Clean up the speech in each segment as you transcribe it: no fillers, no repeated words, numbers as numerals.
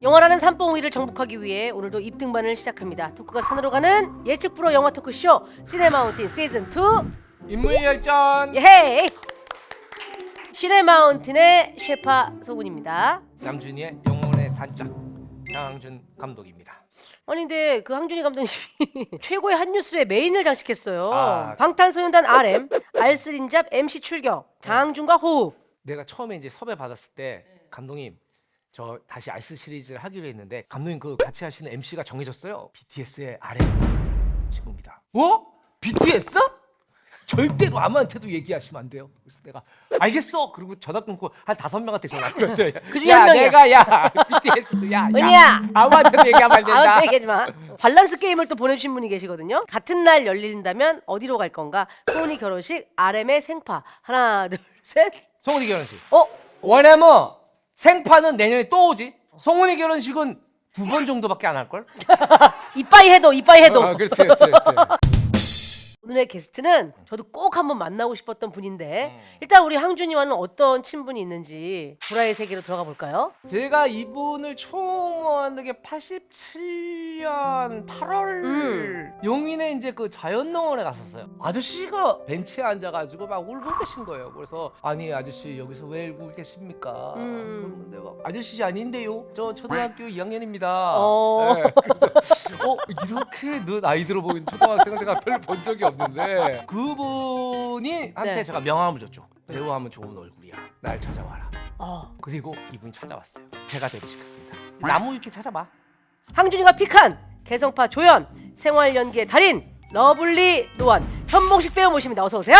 영화라는 산봉우리를 정복하기 위해 오늘도 입등반을 시작합니다. 토크가 산으로 가는 예측 프로 영화 토크쇼 시네마운틴 시즌2 인물열전. 예헤이! 시네마운틴의 셰파 소군입니다. 남준이의 영혼의 단짝 장항준 감독입니다. 아니 근데 그 항준이 감독님이 최고의 한 뉴스의 메인을 장식했어요. 아. 방탄소년단 RM, 알쓰린잡 MC 출격, 장항준과 호흡. 내가 처음에 이제 섭외 받았을 때 감독님 저 다시 알스 시리즈를 하기로 했는데 감독님 그 같이 하시는 MC가 정해졌어요. BTS의 RM 친구입니다. 어? BTS? 절대로 아무한테도 얘기하시면 안 돼요. 그래서 내가 알겠어. 그리고 전화 끊고 한 5명한테 전화했거든. 그중에 한 명이야. 내가 BTS 야. 은희야. 아무한테도 얘기하면 안 된다. 아무튼 얘기하지 마. 밸런스 게임을 또 보내주신 분이 계시거든요. 같은 날 열린다면 어디로 갈 건가? 소은이 결혼식, RM의 생파. 하나, 둘, 셋. 송은이 결혼식. 어? 왜냐면 생파는 내년에 또 오지. 송은이 결혼식은 2번 정도밖에 안 할 걸. 이빠이 해도. 그렇지. 오늘의 게스트는 저도 꼭 한번 만나고 싶었던 분인데 일단 우리 항준이와는 어떤 친분이 있는지 불화의 세계로 들어가 볼까요? 제가 이분을 처음 만난 게 87년 8월 용인에 이제 그 자연농원에 갔었어요. 아저씨가 벤치에 앉아가지고 막 울고 계신 거예요. 그래서 아니 아저씨 여기서 왜 울고 계십니까? 그런데 막 아저씨 아닌데요. 저 초등학교 2학년입니다. 네, 그래서 이렇게 나이 들어 보이는 초등학생을 제가 별 본 적이 없는데 그분이 한때 네. 제가 명함을 줬죠. 배우하면 좋은 얼굴이야. 날 찾아와라. 어. 그리고 이분이 찾아왔어요. 제가 데뷔시켰습니다. 나무 위키 찾아봐. 항준이가 픽한 개성파 조연, 생활 연기의 달인, 러블리 노안, 현봉식 배우 모십니다. 어서 오세요.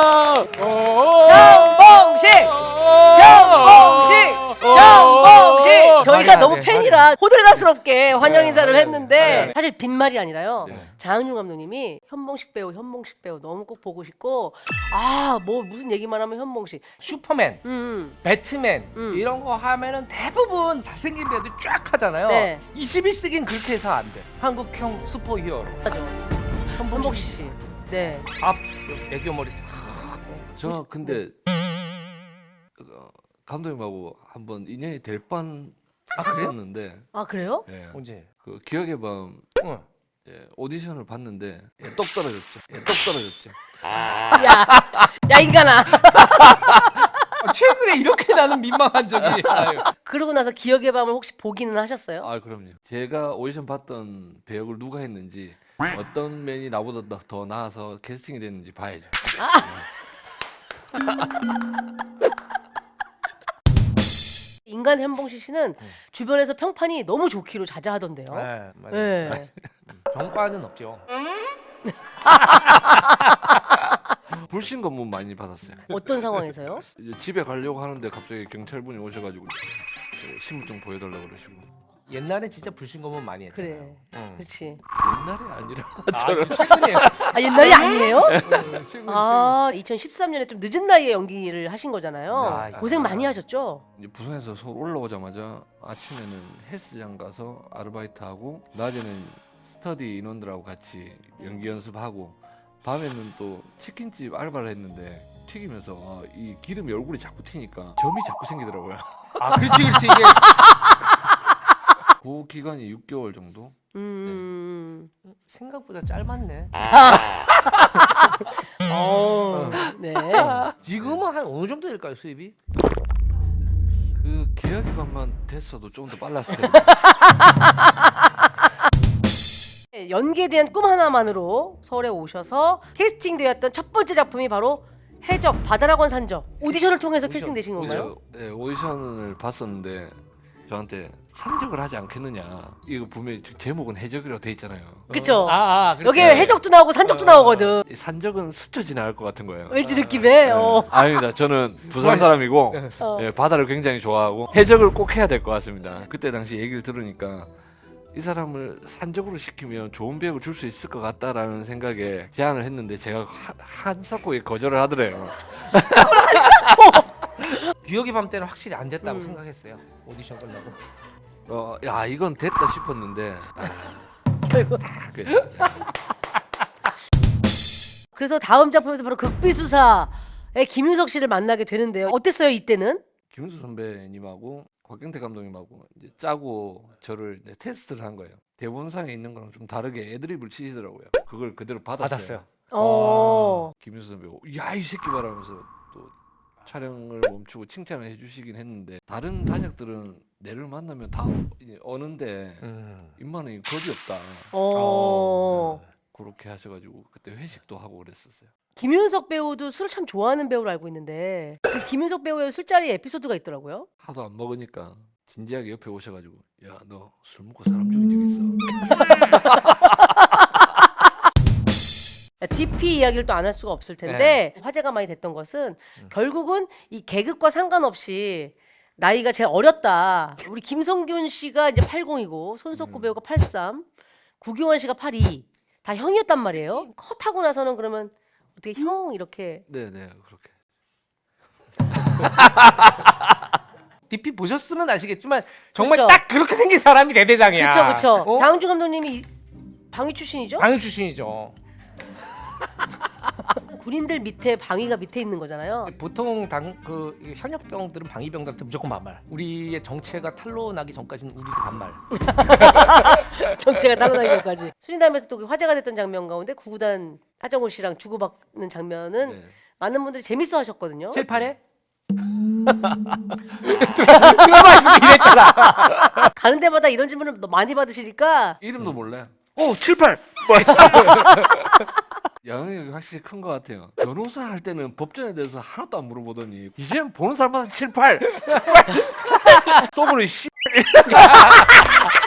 현봉식. 저희가 너무 팬이라 호들갑스럽게 환영 인사를 했는데 사실 빈말이 아니라요. 장항준 감독님이 현봉식 배우 너무 꼭 보고 싶고 뭐 무슨 얘기만 하면 현봉식. 슈퍼맨, 배트맨 이런 거 하면은 대부분 잘생긴 배우들 쫙 하잖아요. 네. 21세기는 그렇게 해서 안 돼. 한국형 슈퍼히어로. 맞아. 현봉식 씨. 네. 앞 애교 머리 싹. 저 근데 감독님하고 한번 인연이 될 뻔했었는데 아 그래요? 예, 언제? 그 기억의 밤 응. 오디션을 봤는데 똑 떨어졌죠. 똑 떨어졌죠. 야 인간아. 최근에 이렇게 나는 민망한 적이. 아유. 그러고 나서 기억의 밤을 혹시 보기는 하셨어요? 아 그럼요. 제가 오디션 봤던 배역을 누가 했는지 어떤 면이 나보다 더 나아서 캐스팅이 됐는지 봐야죠. 인간 현봉식 씨는 주변에서 평판이 너무 좋기로 자자하던데요. 네, 맞아요. 네. 정과는 없죠. 불신 검문 많이 받았어요. 어떤 상황에서요? 이제 집에 가려고 하는데 갑자기 경찰분이 오셔가지고 신분증 보여달라고 그러시고. 옛날에 진짜 불신검은 많이 했잖아요. 그래. 응. 그렇지. 옛날이 아니라 이게 최근이에요. 아 옛날이 아니에요? 최근. 2013년에 좀 늦은 나이에 연기를 하신 거잖아요. 네. 고생 많이 하셨죠? 이제 부산에서 서울 올라오자마자 아침에는 헬스장 가서 아르바이트하고 낮에는 스터디 인원들하고 같이 연기 연습하고 밤에는 또 치킨집 알바를 했는데 튀기면서 이 기름이 얼굴에 자꾸 튀니까 점이 자꾸 생기더라고요. 아, 그렇지 이게. 그 기간이 6개월 정도. 생각보다 짧았네. 네. 지금은 한 어느 정도 될까요 수입이? 그 계약이 밤만 됐어도 좀 더 빨랐어요. 연기에 대한 꿈 하나만으로 서울에 오셔서 캐스팅되었던 첫 번째 작품이 바로 해적 바다락원 산적. 오디션을 통해서 캐스팅되신 건가요? 오디션을 봤었는데 저한테 산적을 하지 않겠느냐. 이거 분명히 제목은 해적이라고 돼 있잖아요. 그쵸? 그렇죠. 여기 해적도 나오고 산적도 나오거든. 이 산적은 스쳐 지나갈 것 같은 거예요. 왠지 느낌에. 아닙니다. 저는 부산 사람이고 어. 바다를 굉장히 좋아하고 해적을 꼭 해야 될 것 같습니다. 그때 당시 얘기를 들으니까 이 사람을 산적으로 시키면 좋은 배역을 줄 수 있을 것 같다라는 생각에 제안을 했는데 제가 한사코에 거절을 하더래요. 기억의 밤 때는 확실히 안 됐다고 생각했어요. 오디션 끝나고. 야 이건 됐다 싶었는데 결국. 그래서 다음 작품에서 바로 극비수사의 김윤석 씨를 만나게 되는데요. 어땠어요 이때는? 김은수 선배님하고 곽경태 감독님하고 이제 짜고 저를 이제 테스트를 한 거예요. 대본상에 있는 거랑 좀 다르게 애드립을 치시더라고요. 그걸 그대로 받았어요. 김은수 선배가 야 이 새끼 봐라면서 또 촬영을 멈추고 칭찬을 해주시긴 했는데 다른 단역들은 내를 만나면 다 어는데 임마는 거지 없다. 그렇게 하셔가지고 그때 회식도 하고 그랬었어요. 김윤석 배우도 술을 참 좋아하는 배우로 알고 있는데 그 김윤석 배우의 술자리 에피소드가 있더라고요. 하도 안 먹으니까 진지하게 옆에 오셔가지고 야 너 술 먹고 사람 죽인 적 있어? DP 이야기를 또 안 할 수가 없을 텐데 화제가 많이 됐던 것은 결국은 이 계급과 상관없이 나이가 제일 어렸다. 우리 김성균 씨가 이제 80이고 손석구 배우가 83, 구기원 씨가 82. 다 형이었단 말이에요. 컷하고 나서는 그러면 어떻게 형 이렇게 네네 그렇게. DP 보셨으면 아시겠지만 정말 그쵸. 딱 그렇게 생긴 사람이 대대장이야. 그렇죠. 어? 장은주 감독님이 방위 출신이죠? 방위 출신이죠. 군인들 밑에 방위가 밑에 있는 거잖아요. 보통 그 현역병들은 방위병들한테 무조건 반말. 우리의 정체가 탄로 나기 전까지는 우리도 반말. 정체가 따라나기 전까지. 수린담에서 또 화제가 됐던 장면 가운데 구구단 하정우 씨랑 주고받는 장면은 네. 많은 분들이 재밌어 하셨거든요. 7, 8에? 드라마에서 이랬잖아. 가는 데마다 이런 질문을 많이 받으시니까 이름도 몰라요. 7, 8. 영향이 확실히 큰 것 같아요. 변호사 할 때는 법전에 대해서 하나도 안 물어보더니 이제는 보는 사람마다 7, 8 속으로 씨